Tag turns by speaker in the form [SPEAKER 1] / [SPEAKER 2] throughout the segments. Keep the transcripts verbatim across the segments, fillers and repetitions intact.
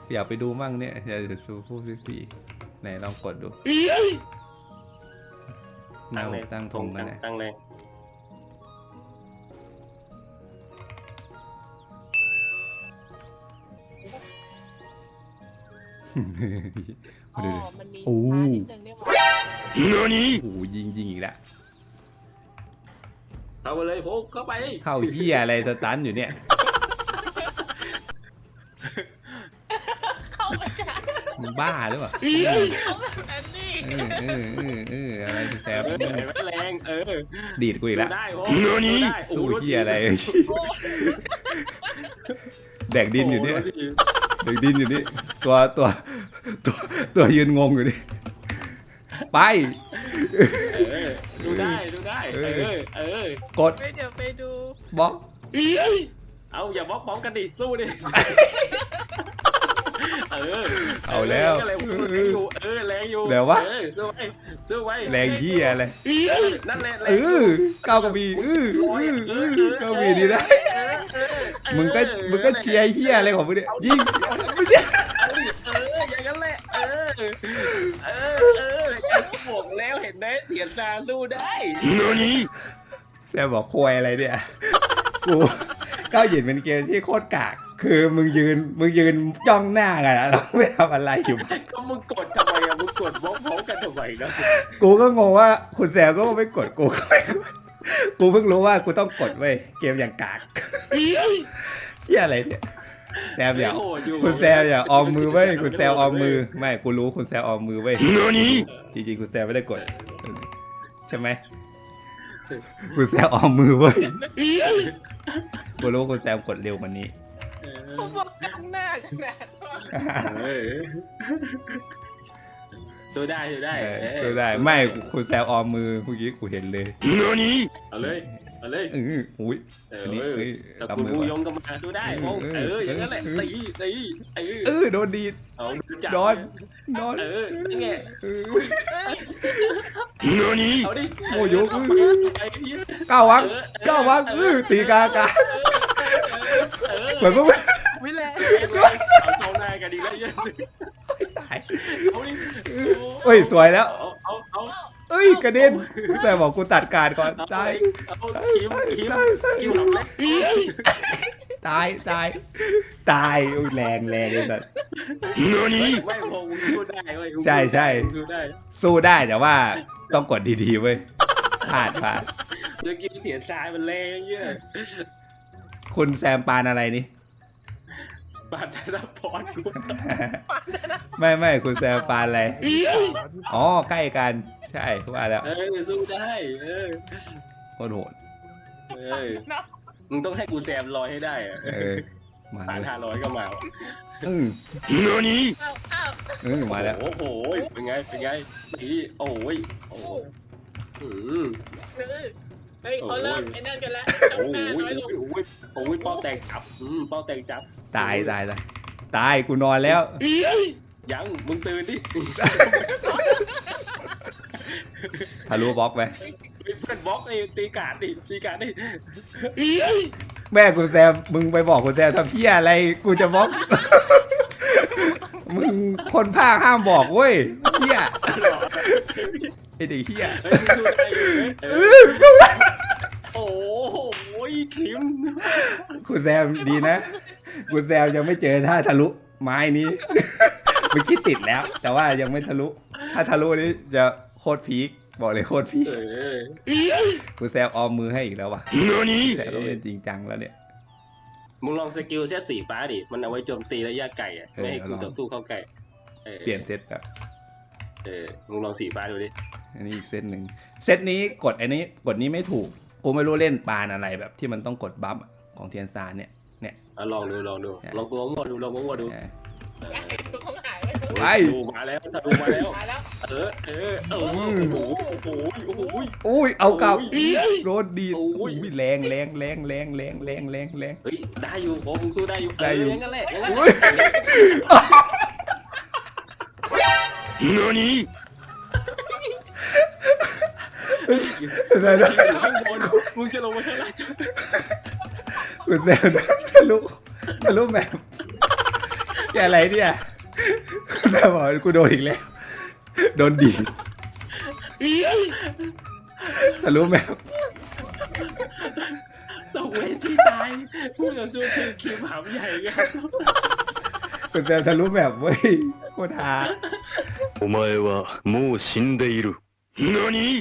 [SPEAKER 1] อยากไปดูมั่งเนี่ยอยากจะดูผู้พี่ไหนลองกดดูตั้งเลยตั้งธงกันนะ
[SPEAKER 2] ตั้งเลย
[SPEAKER 3] อ๋อมันมีช้านิดนึงได้ไหม
[SPEAKER 1] โอ้โหยิงยิงอีกแล้ว
[SPEAKER 2] เข้าไปเลยพกเข้าไป
[SPEAKER 1] เข้าเหี้ยอะไรสตันอยู่เนี่ย
[SPEAKER 3] เข้ามาจ้า
[SPEAKER 1] มึงบ้าหรือเปล่า
[SPEAKER 3] เข้าแบบนั้นนี่
[SPEAKER 1] เออเออเออเอออะไรแสบ
[SPEAKER 2] แรงเออ
[SPEAKER 1] ดีดกูอีกแล้ว
[SPEAKER 2] ได้
[SPEAKER 1] สู้เหี้ยอะไรแดกดินอยู่เนี่ยแดกดินอยู่นี่ตัวตัวตัวตัวยืนงงอยู่นี่ไป
[SPEAKER 2] ดูได้ดูได้เออเออก
[SPEAKER 1] ด
[SPEAKER 3] เดี๋ยวไปดู
[SPEAKER 1] บล็อก
[SPEAKER 2] เอาอย่าบล็อกพร้อมกันดิสู้ดิเออ
[SPEAKER 1] เอาแล้ว
[SPEAKER 2] แรงอยู่เออแรงอยู่
[SPEAKER 1] เดี๋ยววะ
[SPEAKER 2] สู้ไปสู้ไป
[SPEAKER 1] แรงเหี้ยอะไร
[SPEAKER 2] นั่นแหละ
[SPEAKER 1] เออก้าวกระบี่เออเออเออก้าวกระบี่ดีนะมึงก็มึงก็เชียร์เหี้ยอะไรของมึงเนี่ยยิง
[SPEAKER 2] เอออย่างนั้นแหละเออเออเออบอกแล้วเห็นไหมเถียนซาสู้ได้
[SPEAKER 1] แซมบอกควยอะไรเนี่ยกูก้าวหยินเป็นเกมที่โคตรกากคือมึงยืนมึงยืนจ้องหน้ากันแล้วเราไม่ทำอะไรอยู่
[SPEAKER 2] ก็มึงกดทำไมอะมึงกดบล็อกพร้อมกันทำไมนะ
[SPEAKER 1] กูก็งงว่าคุณแซมก็ไม่กดกูก็ไม่กดกูเพิ่งรู้ว่ากูต้องกดเว้ยเกมอย่างกากเฮียอะไรเนี่ยแซมอย่าคุณแซมอย่าออมมือไว้คุณแซมออมมือไม่กูรู้คุณแซมออมมือไว้จริงๆคุณแซมไม่ได้กดใช่ไหมคุณแซมออมมือไว้กูรู้คุณแซมกดเร็วกว่านี้
[SPEAKER 3] เขาบอกกลางหน้ากันนะ
[SPEAKER 2] ตัวได้ตัวได้
[SPEAKER 1] ตัวได้ไม่คุณแซมออมมือเมื่อกี้กูเห็นเลย
[SPEAKER 2] เอาเลยเอาเลย
[SPEAKER 1] อืออุ้ย
[SPEAKER 2] เออแต่คุณมูยงก็มาตัวได้โอ้เอออย่างนั้นแหละตีตีเออ
[SPEAKER 1] เออโดนดีโดนโดน
[SPEAKER 2] เออไงเอาดิ
[SPEAKER 1] โอ้ยกก้าววังก้าววังเออตีกากาเหมือนพวก
[SPEAKER 3] วิเล
[SPEAKER 2] เอาเจ้าหน้ากันดีแล้วเยอะ
[SPEAKER 1] ตาย
[SPEAKER 2] เอาดิ
[SPEAKER 1] เฮ้ยสวยแล้ว
[SPEAKER 2] เอาเอา
[SPEAKER 1] เอ้ยกระเด็นแต่บอกกูตัดการก่อนตาย
[SPEAKER 2] คิวคิวคิวทำเล็ก
[SPEAKER 1] ตายตายตายอุ้ยแรงแรงเลยสัตว์
[SPEAKER 2] ไม่พงสู้ได้เว้ย
[SPEAKER 1] ใช่ใช่
[SPEAKER 2] สู้ได้
[SPEAKER 1] สู้ได้แต่ว่าต้องกดดีๆเว้ยพลาดพลาด
[SPEAKER 2] เมื่อกี้เสียทรายมันแรงเยอะ
[SPEAKER 1] คุณแซมปานอะไรนี่
[SPEAKER 2] ปานธนพรกู
[SPEAKER 1] ไม่ไม่คุณแซมปานอะไรอ๋อใกล้กันใช่ว่าแล้ว
[SPEAKER 2] เออสู้ได้เออ
[SPEAKER 1] โคตรโหด
[SPEAKER 2] เออมึงต้องให้กูแซมร้อยให้ได้อะ
[SPEAKER 1] เออมา
[SPEAKER 2] ผ่านห้าร้อยก็มา
[SPEAKER 1] อืม
[SPEAKER 3] โน่
[SPEAKER 1] นี่
[SPEAKER 3] เอ
[SPEAKER 1] อมาแล้ว
[SPEAKER 2] โอ้โหเป็นไงเป็นไงนี่โอ้ยโอ้อืม
[SPEAKER 3] เฮ้ยเขาเริ่มไอ้นั่นกันแล้ว
[SPEAKER 2] โอ้ยโอ้ยโอ้ยเป้าแตกจับอืมเป้าแตกจับ
[SPEAKER 1] ตายตายตายตายกูนอนแล้ว
[SPEAKER 2] ยังมึงตื่นดิ
[SPEAKER 1] ทะลุบล็อกไป
[SPEAKER 2] เพื่อนบล็อกไอ้ตีการดิตีการดิ
[SPEAKER 1] แม่กูแซมมึงไปบอกกูแซมทำเพี้ยอะไรกูจะบล็อกมึงคนภาคห้ามบอกเว้ยเพี้ยไอเด็กเพี้ย
[SPEAKER 2] โอ้โหคิม
[SPEAKER 1] คุณแซมดีนะคุณแซมยังไม่เจอท่าทะลุไม้นี้เมื่อกี้ติดแล้วแต่ว่ายังไม่ทะลุถ้าทะลุนี้จะโคตรพีคบอกเลยโคตรพีคคุณแซมออมมือให้อีกแล้วว่ะแต่ต้องเล่นจริงจังแล้วเนี่ย
[SPEAKER 2] มึงลองสกิลเซตสีฟ้าดิมันเอาไว้โจมตีระยะไกลอ่ะไม่ให้กูต่อสู้เข้าใกล้
[SPEAKER 1] เปลี่ยนเซตแบบ
[SPEAKER 2] เออมึงลองสีฟ้าดูดิ
[SPEAKER 1] อันนี้อีกเซตหนึ่งเซตนี้กดอันนี้กดนี้ไม่ถูกกูไม่รู้เล่นปานอะไรแบบที่มันต้องกดบัฟของเทียนซานเนี่ยเนี่ย
[SPEAKER 2] ลองดูลองดูลองกูงวดดูลองกูงวดดู
[SPEAKER 1] ไป
[SPEAKER 2] มาแล้วถ้าดูมาแล้วเออเออโอ้โหโอ้โหโอ้โห
[SPEAKER 1] โอ้ยเอากลับโดนดีโอ้ยแรงแรงแรงแรงแรงแรงแรงแรง
[SPEAKER 2] เฮ้ยได้อยู่โอ้มึงสู้ได้อยู่ได้อยู่งั้นแหละงั้น
[SPEAKER 1] โน่นี่
[SPEAKER 2] ได้ได้ข้างบนมึงจะลงมาข้างล่างคุณ
[SPEAKER 1] แซมทะลุทะลุแบบนี่อะไรเนี่ยแม่บอกกูโดนอีกแล้วโดนดีดทะลุแมป
[SPEAKER 2] ต้องเวทีตายผู้ต่อสู้คือคิมหำใหญ่ครับ
[SPEAKER 1] คุณแซมทะลุแมปเว้ยโคตรฮา
[SPEAKER 4] お前はもう死んでいる。何？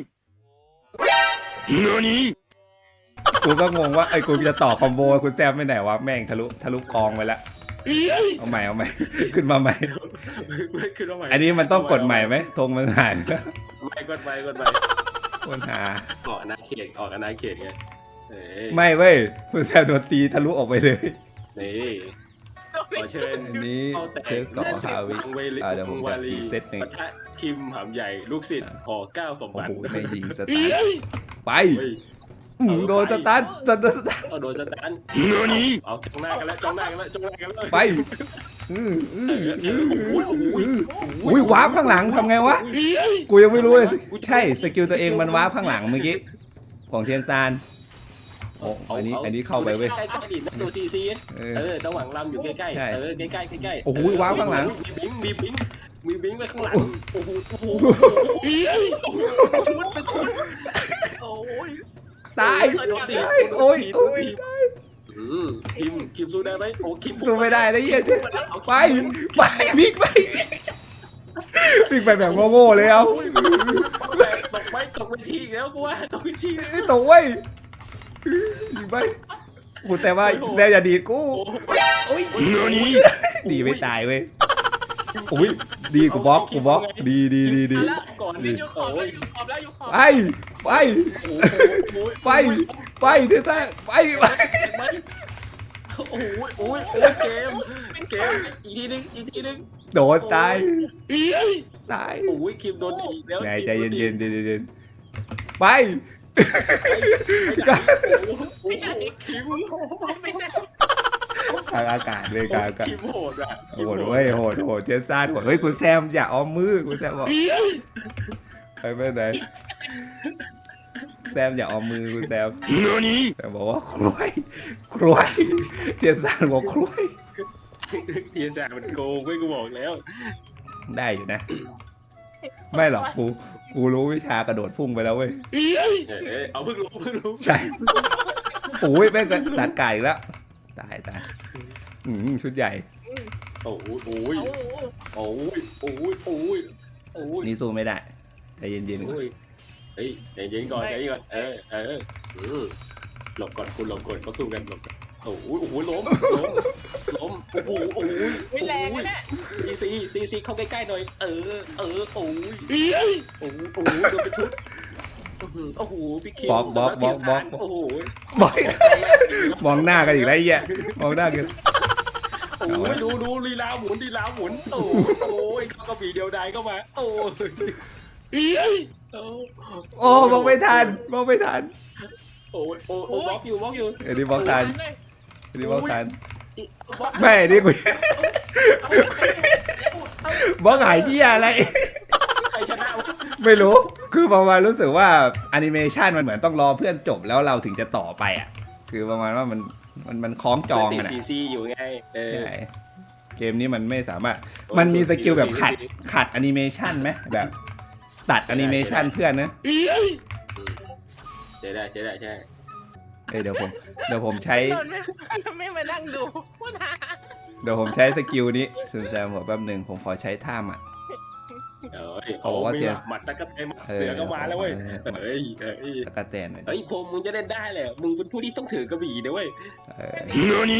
[SPEAKER 4] 何？
[SPEAKER 1] กูก็งงว่าไอ้กูจะต่อคอมโบคุณแซมไปไหนวะแม่งทะลุทะลุกองไปแล้วเอาใหม่เอาใหม่ขึ้นมาใหม่
[SPEAKER 2] คือต้องใหม่
[SPEAKER 1] อันนี้มันต้องกดใหม่ไหมธงมันหาย
[SPEAKER 2] ไม่กดไปกดไป
[SPEAKER 1] โคตรฮา
[SPEAKER 2] ออกอนาเขตออกอนาเขตไงเอ้ย
[SPEAKER 1] ไม่เว้ยคุณแซมโดนตีทะลุออกไปเลย
[SPEAKER 2] นี่ขอเชิญ
[SPEAKER 1] อันนี้
[SPEAKER 2] เข้าแต่
[SPEAKER 1] เทสต่อฮาวิ
[SPEAKER 2] เวลิ
[SPEAKER 1] อ่าเดี๋ยวผม
[SPEAKER 2] วา
[SPEAKER 1] จะ
[SPEAKER 2] ลี
[SPEAKER 1] รีเซตหนึ่ง
[SPEAKER 2] ปะทะคิมหำใหญ่ลูกศิษย์หอเก้าสม
[SPEAKER 1] โอ้
[SPEAKER 2] บัติ
[SPEAKER 1] โหไม่ยิงสตาร์ทไป
[SPEAKER 2] เฮ้ย
[SPEAKER 1] อืมโดนสตาร์ทสตาร์ท
[SPEAKER 2] เอาโดนสตัน
[SPEAKER 4] 何？
[SPEAKER 2] เอาจ้องหน้ากันแล้วจ้องหน้ากันแล้วจ้องหน้ากันแล้ว
[SPEAKER 1] ไปอืมอืมอืม
[SPEAKER 2] โอ้ยโอ้ย
[SPEAKER 1] อุ้ยวาร์ปข้างหลังทำไงวะกูยังไม่รู้เลยใช่สกิลตัวเองมันวาร์ปข้างหลังเมื่อกี้ของเทียนซานโอ้อันนี้อันนี้เข้าไปเว้ย
[SPEAKER 2] ใกล้ๆดินะตัวซีซี
[SPEAKER 1] เออ
[SPEAKER 2] เออระหว่างลำอยู่ใกล้
[SPEAKER 1] ใช่
[SPEAKER 2] ๆเออใกล้ๆใกล้ๆ
[SPEAKER 1] โอ้โหว้าวข้างหลัง
[SPEAKER 2] มีบิงมีบิงมีบิงไปข้างหลังโอ้โหโอ้โหชุดเป็นชุดโอ้ย
[SPEAKER 1] ตาย
[SPEAKER 2] โดนตี
[SPEAKER 1] โอ้ยโอ้ย
[SPEAKER 2] อืมคิมคิมสู้ได้ไหมโอ้คิม
[SPEAKER 1] สู้ไม่ได้นะเหี้ยไปไปวิ่งไปวิ่งไปแบบโง่ๆเลยเอา
[SPEAKER 2] ตกไปตกไปทีแล้วกูว่าตกไปที
[SPEAKER 1] ตกเว้ยยิงไปกูแต่ว่าแนวอย่าดีดกู
[SPEAKER 2] โอ้ย
[SPEAKER 4] 何？
[SPEAKER 1] ดีไม่ตายเว้ยอุ้ยดีกูบล็อกกูบล็อกดีดีดีดี
[SPEAKER 2] ก่อน
[SPEAKER 3] นี่
[SPEAKER 2] ดิ
[SPEAKER 3] อยู่ขอบแล้วอยู่ขอบแล้วอยู่ขอบ
[SPEAKER 1] ไปไปไปไปเท่าไปไป
[SPEAKER 2] โอ้ยโอ้ยโอ้ยเกมเกมอีกทีนึงอีกทีนึง
[SPEAKER 1] โดนตายตาย
[SPEAKER 2] โอ้ยคิมโดนอีกแล้ว
[SPEAKER 1] ไงใจเย็นเย็นเย็นเย็นไป
[SPEAKER 2] โอ้ยคิม
[SPEAKER 3] ไม่ได้
[SPEAKER 1] ทางอากาศเลยกลางอากาศ
[SPEAKER 2] คิมโหดอ่ะ
[SPEAKER 1] โหดเว้ยโหดโหดเจนซ่าโหดเฮ้ยคุณแซมอย่าอ้อมมือคุณแซมบอกไปไปไหนแซมอย่าอ้อมมือคุณแซม
[SPEAKER 4] 何？
[SPEAKER 1] แซมบอกว่าครวยครวยเจนซ่าบอกครวย
[SPEAKER 2] เฮียจ่ามันโกงเว้ยกูบอกแล้ว
[SPEAKER 1] ได้อยู่นะ ไม่หรอกกูกูรู้วิชากระโดดพุ่งไปแล้วเว้ย
[SPEAKER 2] เออเอาเพิ่งรู้เพิ่งรู้
[SPEAKER 1] ใช่โอ้ยแม่งก็ตัดไก่อีกแล้วตายตายอืมชุดใหญ่
[SPEAKER 2] โอ้ยโอ้ย
[SPEAKER 3] โอ้โห
[SPEAKER 2] โอ้ยโอ้ยโอ้ยโอ้ย
[SPEAKER 1] นี่สู้ไม่ได้ใจเย็นๆก่อน
[SPEAKER 2] โอ้ยเฮ้ยใจเย็นก่อนใจเย็นก่อนเออเออเออหลบก่อนคุณหลบก่อนเขาสู้กันหลบก่อนโอ้โหโอ้โหล้มล้มล้มโอ้โหโอ้โห
[SPEAKER 3] ไม่แรงนะเนี่ย
[SPEAKER 2] ซีซีซีซีเข้าใกล้ๆหน่อยเออเออโอ้ยโอ้โหโอ้โหโดนไปชุดโอ้โหพี่คิมโอ้โห
[SPEAKER 1] บอกมองหน้ากันอีกแล้วไอ้เหี้ยมองหน้ากัน
[SPEAKER 2] โอ้ยดูดูลีลาหมุนลีลาหมุนโอ้โอ้ยเขากระบี่เดียวดายเข้ามาโอ้ย
[SPEAKER 1] โอ้มองไม่ทันมองไม่ทัน
[SPEAKER 2] โอ้ยโอ้โอ้บล็อกอยู่บล็อกอยู่
[SPEAKER 1] อันนี้มองทันอันนี้มองทัน
[SPEAKER 2] บล็อก
[SPEAKER 1] ไม่อันนี้กูมองหายที่อะไร
[SPEAKER 2] ใครชนะวะ
[SPEAKER 1] ไม่รู้คือประมาณรู้สึกว่าแอนิเมชันมันเหมือนต้องรอเพื่อนจบแล้วเราถึงจะต่อไปอ่ะคือประมาณว่ามันมันมันคล้องจอง
[SPEAKER 2] ติด
[SPEAKER 1] กันอ่ะ
[SPEAKER 2] ซีซีอยู่ไงเออ
[SPEAKER 1] ใช่เกมนี้มันไม่สามารถมันมีสกิลแบบขัดขัดแอนิเมชันไหมแบบ ตัดแอนิเมชันเพื่อนนะ
[SPEAKER 2] ใช่ได้ใช่ได้ใช่
[SPEAKER 1] เอ้ยเดี๋ยวผมเดี๋ยวผมใช้
[SPEAKER 3] โดนไม่ไม่มานั่งดูพูดหา
[SPEAKER 1] เดี๋ยวผมใช้สกิลนี้สุดแซมบอกแป๊บหนึ่งผมขอใช้ท่าหมัด
[SPEAKER 2] เอ้ยเขาบอกว่าเทียหมัดตะกั่ไอ้หมัดเสือก็มาแล้วเว้ยเฮ้ยเฮ้ย
[SPEAKER 1] ตะกะแตนหน่อยดิ
[SPEAKER 2] เฮ้ยพงมึงจะเล่นได้แหละมึงเป็นผู้ที่ต้องถือกระบี่นะเว้ย
[SPEAKER 1] เออ
[SPEAKER 4] 何？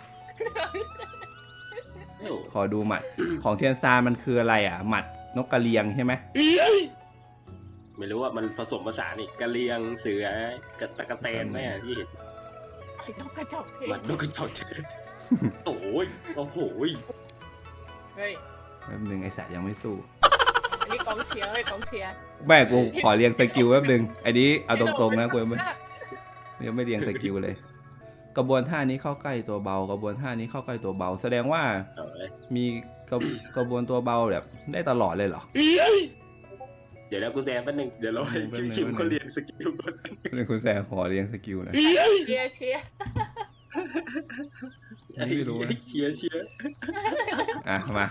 [SPEAKER 1] ขอดูหมัดของเทียนซานมันคืออะไรอ่ะหมัดนกกระเรียงใช่ไหม
[SPEAKER 2] ไม่รู้ว่ามันผสมผสานนี่กระเลียงเสือกระตะกะแตนแม่ที่เห็น
[SPEAKER 3] ไอ้นกกระจอกเท
[SPEAKER 2] หมัดนกกระจอกเทศโอ้ยโอ้โห
[SPEAKER 3] เฮ้ย
[SPEAKER 1] แป๊บหนึงไอสัตว์ยังไม่สู้
[SPEAKER 3] อันนี้กองเชียร์เฮ้ยกองเชียร์
[SPEAKER 1] แม่กูขอเรียงสกิลแป๊บหนึงอันนี้เอาตรงๆนะกูยังไม่ยังไม่เรียงสกิลเลย กระบวนท่านี้เข้าใกล้ตัวเบากระบวนท่านี้เข้าใกล้ตัวเบา แสดงว่า
[SPEAKER 2] เอาเลย
[SPEAKER 1] มีกระกระบวนตัวเบาแบบได้ตลอดเลยเหรอ
[SPEAKER 2] เดี๋ยวนะกูแซมแป๊บนึงเดี๋ยวเราให้คิมคิมเขาเรียนสกิลก่อน
[SPEAKER 1] นี่คุณแซมขอเรียงสกิลหนะ
[SPEAKER 3] เชียร์เชียร์
[SPEAKER 1] ไม่รู้นะ
[SPEAKER 2] เชียร์เชียร์
[SPEAKER 1] อ่ะมา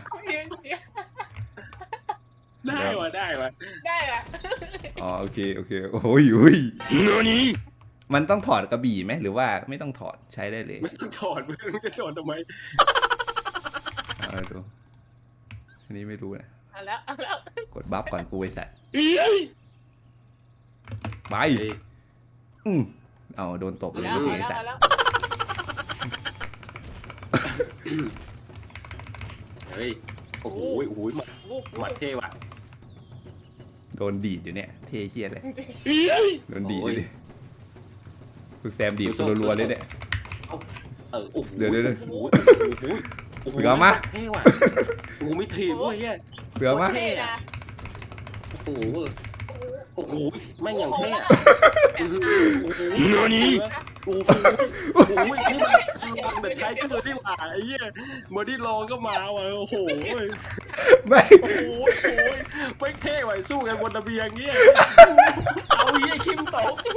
[SPEAKER 2] ได้วะได้วะ
[SPEAKER 3] ได้อะ
[SPEAKER 1] อ๋อโอเคโอเคโอ้ยอุ้ย
[SPEAKER 4] 何
[SPEAKER 1] มันต้องถอดกระบี่ไหมหรือว่าไม่ต้องถอดใช้ได้เลย
[SPEAKER 2] ไม่ต้องถอดมึงจะถอดทำไม
[SPEAKER 1] เอาดูอันนี้ไม่รู้นะ
[SPEAKER 3] เอาแล้วเอาแล้ว
[SPEAKER 1] กดบัฟก่อนกูไอ้สัตว์ไป
[SPEAKER 2] เฮ้ย
[SPEAKER 1] อืมเอาโดนตบ
[SPEAKER 3] เอา
[SPEAKER 1] เลย
[SPEAKER 3] แล้ว
[SPEAKER 1] เมื่อ
[SPEAKER 3] เอา
[SPEAKER 1] กี้
[SPEAKER 3] แล้ว
[SPEAKER 1] ไอ้สัต
[SPEAKER 3] เอา
[SPEAKER 1] ว์
[SPEAKER 3] แล้ว
[SPEAKER 2] เฮ้ยโอ้โหโอ้โหหมัด
[SPEAKER 3] วูบ
[SPEAKER 2] หมัดเท่ว่ะ
[SPEAKER 1] โดนดีดอยู่เนี่ยเท่เชียเลยโดนดีด
[SPEAKER 2] โอ้
[SPEAKER 1] อย ยู่ดิกูแซมดีดกูรัวๆเลยเนี่ย
[SPEAKER 2] เออโอ้โห
[SPEAKER 1] เดี๋ยวเดี๋ยวเดี๋ยว
[SPEAKER 2] โอ้โหโอ้โห
[SPEAKER 1] เสือมา
[SPEAKER 2] เท่ว่ะโอ้โหไม่ถีบด้วยเฮ้ย
[SPEAKER 1] เสือมา
[SPEAKER 3] เท่นะ
[SPEAKER 2] โอ้โหโอ้โหแม่งอย่างเท่อะโอ้โหโอ้โห
[SPEAKER 4] 何
[SPEAKER 2] โอ้โหโอ้โหนี่มันลองแต่ใช้ก็เลยที่หว่าไอ้เหี้ยเมื่อที่ลองก็มาว่ะโอ้โห
[SPEAKER 1] ไม่
[SPEAKER 2] โอ้โหโอ้โหไม่เท่ว่ะสู้กันบนระเบียงเงี้ยเอาเหี้ยคิมตก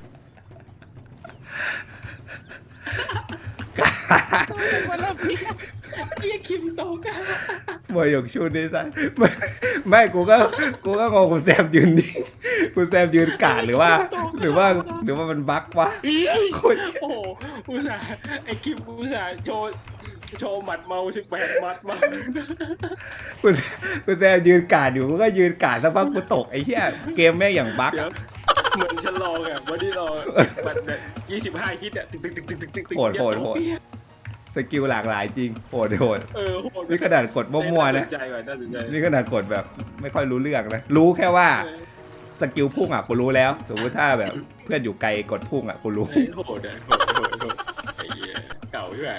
[SPEAKER 3] คนละพี่
[SPEAKER 2] เหี้ยคิมตกอะ
[SPEAKER 1] มวยหยกชุดนี่สัตว์ไม่ไม่กูก็กูก็งงกูแซมยืนนิ่งกูแซมยืนกาดหรือว่า หรือว่าหรือว่ามันบั๊กวะโคตร
[SPEAKER 2] โอ้โหอุตส่าห์ไอ้คิมอุตส่าห์โชว์โชว์หมัดเมาสิบแปดหมัดเมา
[SPEAKER 1] กูกูแซมยืนกาดอยู่กูก็ยืนกาดสักพักกูตกไอ้เหี้ยเกมแม่งอย่างบั๊ก
[SPEAKER 2] เดี๋ยว
[SPEAKER 1] อะ
[SPEAKER 2] เหมือนฉันลองอ่ะวันที่ลองมันแบบยี่สิบห้าฮิตอ่ะตึกตึกตึกตึกตึกตึกตึก
[SPEAKER 1] โหดโหดโหดสกิลหลากหลายจริงโหดโหด
[SPEAKER 2] เออโหด
[SPEAKER 1] นี่ขนาดกดมั่วๆนะ
[SPEAKER 2] น่าสนใจว่ะน่าสนใจ
[SPEAKER 1] นี่ขนาดกดแบบไม่ค่อยรู้เรื่องนะรู้แค่ว่าสกิลพุ่งอ่ะกูรู้แล้วสมมติถ้าแบบเพื่อนอยู่ไกลกดพุ่งอ่ะกูรู้
[SPEAKER 2] เฮ้ยโหดอ่ะโหดโหดโหดไอ้เหี้ยเก่าใช่ไหม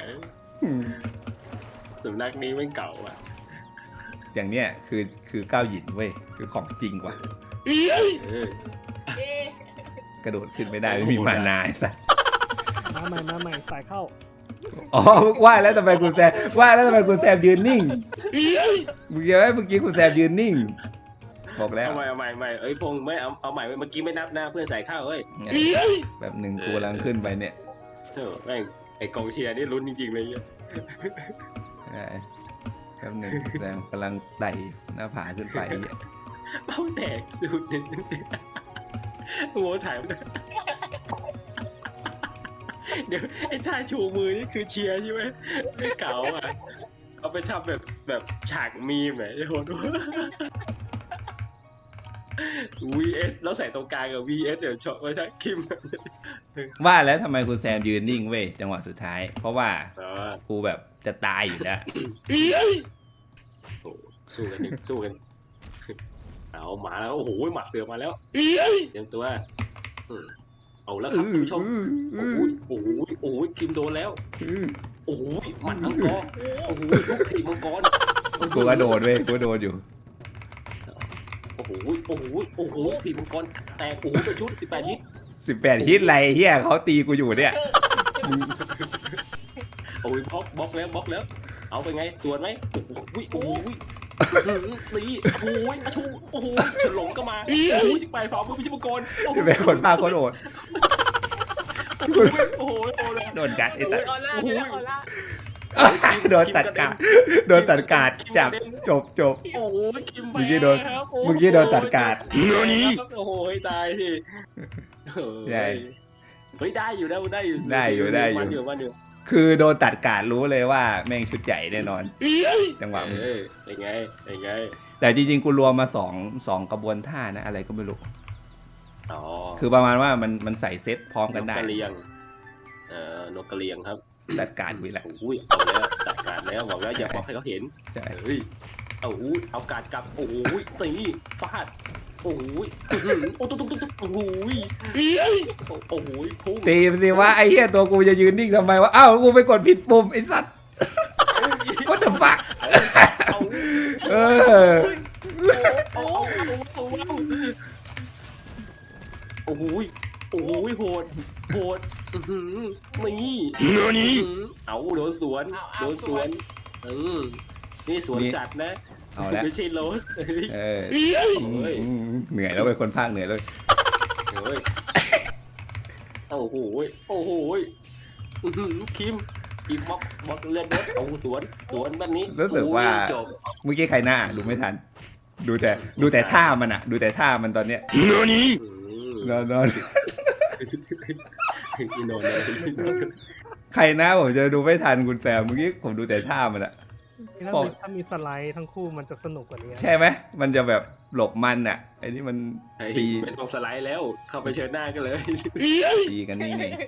[SPEAKER 2] สำนักนี้ไม่งเก่าอ่ะ
[SPEAKER 1] อย่างเนี้ยคือคือก้าวหยินเว้ยคือของจริงว่ะ
[SPEAKER 2] เออ
[SPEAKER 3] เอ๊ะ
[SPEAKER 1] กระโดดขึ้นไม่ได้ไม่มีมานาไอ้สัส
[SPEAKER 5] มาใหม่มาใหม่สายเข้า
[SPEAKER 1] อ๋อว่าแล้วทำไมคุณแซมว่าแล้วทำไมคุณแซมยืนนิ่งเมื่อกี้ไหมเมื่อกี้คุณแซมยืนนิ่งบอกแล้ว
[SPEAKER 2] เอาใหม่เอาใหม่เอาใหม่เอ้ยพงษ์ไม่เอาเอาใหม่เว้ยเมื่อกี้ไม่นับหน้าเพื่อนใส่ข้าวเว้ย
[SPEAKER 1] แบบหนึ่งกูกำลังขึ้นไปเนี่ย
[SPEAKER 2] เออแม่งไอ้กองเชียร์นี่ลุ้นจริงๆเลยเนี่ย
[SPEAKER 1] ใช่แบบหนึ่งแซมกำลังไต่หน้าผาขึ้นไปเนี่ย
[SPEAKER 2] เป้าแตกสุดหนึ่งโอ้โหถ่ายมาด้วยเดี๋ยวไอ้ท่าชูมือนี่คือเชียร์ใช่ไหมไม่เก่าอ่ะเอาไปทำแบบแบบฉากมีมไหนโหด วี เอส แล้วใส่ตรงกลางกับ วี เอส เดี๋ยวช็อตไว้ใช่คิม
[SPEAKER 1] ว่าแล้วทำไมคุณแซมยืนนิ่งเว้ยจังหวะสุดท้าย เพราะว่า
[SPEAKER 2] อ๋อ
[SPEAKER 1] กูแบบจะตายอยู่แล้ว
[SPEAKER 2] โอ้สู้กันดิสู้กัน เอาหมาแล้วโอ้โหหมัดเสือมาแล้วเตรียมตัวอืมเอาแล้วครับคุณผู้ชมโอ้โหโอ้โหโอ้โหคิมโดนแล้วโอ้โหหมัดมังกรโอ้โหลูกถีบมังกร
[SPEAKER 1] กูก็โดนเว้ยกูก็โดนอยู่
[SPEAKER 2] โอ้โหโอ้โหโอ้โหถีบมังกรแตกโอ้โหเป็นชุดสิบแปดฮิต
[SPEAKER 1] สิบแปดฮิตไรเฮียเขาตีกูอยู่เนี่ย
[SPEAKER 2] โอ้ยบล็อกบล็อกแล้วบล็อกแล้ว เอาไปไงสวนไหมโอ้โหโอ้โหตีโอ้ยอาชูโอ้โหเฉินหลงก็มาโอ้โหสิบแปดฝ่ามือพิชิตมังกรโอ้โห
[SPEAKER 1] จะเป็นคนป้าคนโอด
[SPEAKER 2] โอ้โหโอ้โห
[SPEAKER 1] โดนกัดไอ้สัส
[SPEAKER 3] ออร่าเนี่ยออร่า
[SPEAKER 1] โดนตัดกาดโดนตัดกาดจับจบจบ
[SPEAKER 2] โอ้โหคิมไป
[SPEAKER 1] เมื่อกี้โดน
[SPEAKER 2] ครับ
[SPEAKER 1] เมื่อกี้โดนตัดกาด
[SPEAKER 4] 何
[SPEAKER 2] โอ้โหตายสิ
[SPEAKER 1] ใช่
[SPEAKER 2] เฮ้ยได้อยู่ได้ได้อยู่
[SPEAKER 1] ได้อยู่ได้อยู่
[SPEAKER 2] มันอยู่มันอยู่
[SPEAKER 1] คือโดนตัดกาดรู้เลยว่าแม่งชุดใหญ่แน่นอน จังหวะมึง
[SPEAKER 2] เออเป็นไงเป็นไง
[SPEAKER 1] แต่จริงๆกูรวมมาสองสองกระบวนท่านะอะไรก็ไม่รู้
[SPEAKER 2] อ๋อ
[SPEAKER 1] คือประมาณว่ามันมันใส่เซตพร้อมกันได้
[SPEAKER 2] กกระเลียงเอ่อนกกระเลียงครับ
[SPEAKER 1] ตัดกาดวิแหละ
[SPEAKER 2] โอ้ยเอาแล้วจัดการแล้วบอกแล้วอย่าบอกให้เขาเห็น
[SPEAKER 1] ใช่
[SPEAKER 2] เฮ้ยเอาอู้เอาการกลับโอ้ยตีฟาดโอ้ยอื้อหือโอ้ตุ๊กตุ๊กตุ๊กโอ้ยโอ้โหพุ่ง
[SPEAKER 1] ตีมันสิว่าไอ้เหี้ยตัวกูจะยืนนิ่งทำไมวะอ้าวกูไปกดผิดปุ่มไอ้สัตว์ What the fuck
[SPEAKER 2] เอา
[SPEAKER 1] เออ
[SPEAKER 2] เอาเอาเอาเอาเอาโอ้โหโอ้โหโหดโหดอื้อหือนี่
[SPEAKER 4] 何
[SPEAKER 2] อื้อหือเอาโดนสวน
[SPEAKER 3] เอาเอา
[SPEAKER 2] โดนสวนเออนี่สวน
[SPEAKER 1] นี่
[SPEAKER 2] จัดนะ
[SPEAKER 1] เอาละ
[SPEAKER 2] ไม่ใช่โรสเฮ้ย
[SPEAKER 1] เออ
[SPEAKER 2] เฮ้ย
[SPEAKER 1] อืมเหนื่อยแล้วเป็นคนภาคเหนื่อยเลย
[SPEAKER 2] เฮ้ยโอ้โหโอ้โหอื้อหือคิมอีบล็อกบล็อกเลือดรถเอาสวนสวนแบบนี้
[SPEAKER 1] รู้สึกว่า
[SPEAKER 2] จบ
[SPEAKER 1] เมื่อกี้ใครหน้าดูไม่ทัน ดูแต่ดูแต่ท่ามันอะดูแต่ท่ามันตอนเนี้ย
[SPEAKER 4] 何
[SPEAKER 1] นอนนอน
[SPEAKER 2] อีโนนเลย
[SPEAKER 1] ใครหน้าผมจะดูไม่ทันคุณแซมเมื่อกี้ผมดูแต่ท่ามันอะ
[SPEAKER 5] ถ้า
[SPEAKER 1] พอ
[SPEAKER 5] มีถ้ามีสไลด์ทั้งคู่มันจะสนุกกว่านี้
[SPEAKER 1] ใช่ไหมมันจะแบบหลบมันอะไอ้นี่มัน
[SPEAKER 2] ไอ้
[SPEAKER 1] ตี
[SPEAKER 2] ไม่ต้องสไลด์แล้ว เข้าไปเชิญหน้ากันเลย
[SPEAKER 1] ตีกันนี่นี่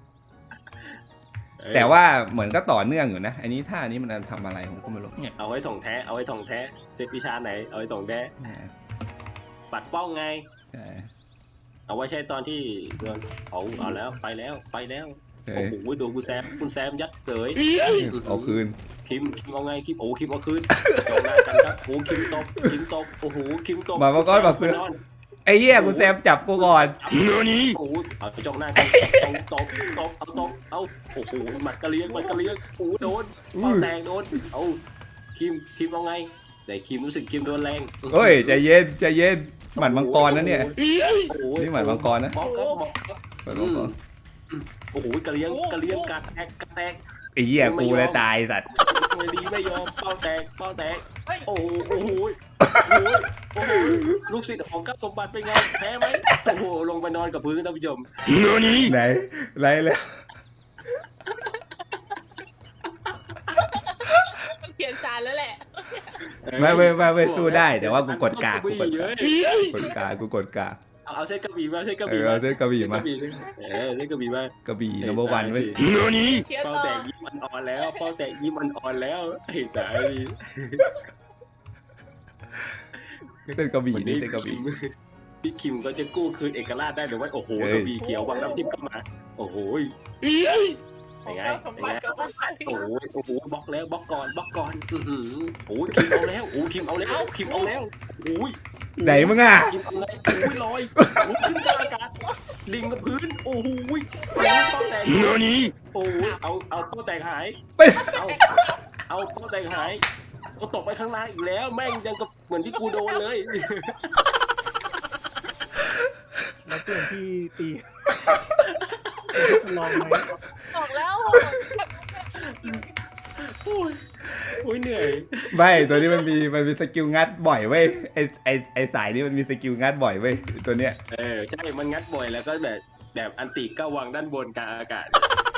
[SPEAKER 1] แต่ว่าเหมือนก็ต่อเนื่องอยู่นะอันนี้ท่านี้มันทำอะไรผมก็ไม่รู้เนี่ย
[SPEAKER 2] เอาไว้ส่งแท้เอาไว้ส่งแท้เซตวิชาไหนเอาไว้ส่งแท้ปัดป้องไง
[SPEAKER 1] ใช่
[SPEAKER 2] เอาไว้ใช้ตอนที่โดนเอาเอาแล้วไปแล้วไปแล้ว
[SPEAKER 1] เอ
[SPEAKER 2] โอ้
[SPEAKER 1] อ
[SPEAKER 2] โหโดนคุณแซมคุณแซมยัดเสย
[SPEAKER 1] เอาคืน
[SPEAKER 2] คิมคิมเอาไงคิมโอ้คิมเอาคืนจองหน้ากันครับโอ้คิมตบคิมตบโอ้โหคิมตบ
[SPEAKER 1] มามาก่อนมาคืน ไอ้เหี้ยคุณแซมจับกูก่อน
[SPEAKER 4] 何
[SPEAKER 2] โอ้เอาจองหน้ากันตบตบตบเอาตบเอาโอ้โหหมัดกระเลี้ยงหมัดกระเลี้ยงโอ้โดนเป้าแตงโดนเอาคิมคิมเอาไงแต่คิมรู้สึกคิมโดนแรง
[SPEAKER 1] เฮ้ยใจเย็นใจเย็นหมัดมังกรนะเนี่ย
[SPEAKER 2] โอ้โห
[SPEAKER 1] นี่หมัดมังกรนะ
[SPEAKER 2] บอกครับบอกครับ
[SPEAKER 1] หมัดมังกร
[SPEAKER 2] โอ้โหกระเลี้ยงกระเลี้ยงกัดแตกกัดแตก
[SPEAKER 1] ไอ้เหี้ยกูเลยตายสัตว์
[SPEAKER 2] ไม่ดีไม่ยอมเป้าแตกเป้าแตก
[SPEAKER 6] เฮ้ย
[SPEAKER 2] โอ้โหโอ้โหโอ้โหโอ้โหลูกศิษย์ของก้าวสมบัติเป็นไงแพ้ไหมโอ้โหลงไปนอนกับพื้นท่านผู้ชม
[SPEAKER 4] 何
[SPEAKER 1] ไหนไรแล้ว
[SPEAKER 6] มันเปลี่ยนสารแล้วแหละ
[SPEAKER 1] ไม่ไม่ไม่ไม่สู้ได้แต่ว่ากูกดกากกูกด
[SPEAKER 2] เย
[SPEAKER 1] กา
[SPEAKER 2] อะ
[SPEAKER 1] กกดกากกูกดกาก
[SPEAKER 2] เอาเอาเส้นกระบี่มาเส้นกระ
[SPEAKER 1] เอ
[SPEAKER 2] บี่
[SPEAKER 1] อ
[SPEAKER 2] มา
[SPEAKER 1] เอาเส้นกระบี่มา
[SPEAKER 2] เออเส้นกระบี่มาก
[SPEAKER 1] ระบี่ number one เว้ย
[SPEAKER 4] 何
[SPEAKER 6] เชียร์
[SPEAKER 2] เป้า
[SPEAKER 6] ต่อ
[SPEAKER 2] แตกยิ้มมันอ่อนแล้วเป้าแตกยิ้มมันอ่อนแล้วไอ้สาย
[SPEAKER 1] เส้นกระบี่
[SPEAKER 2] วัน
[SPEAKER 1] นี่
[SPEAKER 2] นี้
[SPEAKER 1] เส้นกระบี่
[SPEAKER 2] พี่คิมก็จะกู้คืนเอกราชได้หรือว่าโอ้โห
[SPEAKER 1] เฮ้ย
[SPEAKER 2] กระบี่เขียววังน้ำทิพย์ก็มาโอ้โห
[SPEAKER 6] ข
[SPEAKER 2] เป็
[SPEAKER 6] อน ง
[SPEAKER 2] ไง
[SPEAKER 6] เจ้าสม
[SPEAKER 2] เป็น
[SPEAKER 6] บั
[SPEAKER 2] ไง
[SPEAKER 6] ติกับสมบัติ
[SPEAKER 2] โอ้โหโอ้โหบล็อกแล้วบล็อกก่อนบล็อกก่อนอือหือโอ้ยคิมเอาแล้วโอ้คิมเอาแล้วคิมเอาแล้วโอ้ย
[SPEAKER 1] ไหนมึงอ่ะ
[SPEAKER 2] คิมเอาไงโอ้ยลอยโอ้ยขึ้นกลางอากาศลิงกับพื้นโอ้โหโอ้ยเป้าแตก
[SPEAKER 4] 何
[SPEAKER 2] โอ้ยเอาเอาเป้าแตกหาย
[SPEAKER 1] ไป
[SPEAKER 2] เอาเอาเป้าแตกหายเอาตกไปข้างล่างอีกแล้ว แม่งยังกับเหมือนที่กูโดนเลย
[SPEAKER 5] แล้วเปลี่ยนที่ตีลองไหม
[SPEAKER 6] บอกแล้ว
[SPEAKER 2] โอ้ยโอ้ยเหนื่อย
[SPEAKER 1] ไม่ตัวนี้มันมีมันมีสกิลงัดบ่อยเว้ยไอไอไอสายนี้มันมีสกิลงัดบ่อยเว้ยตัวเนี้ย
[SPEAKER 2] เออใช่มันงัดบ่อยแล้วก็แบบแบบอันติก็วางด้านบนกลางอากาศ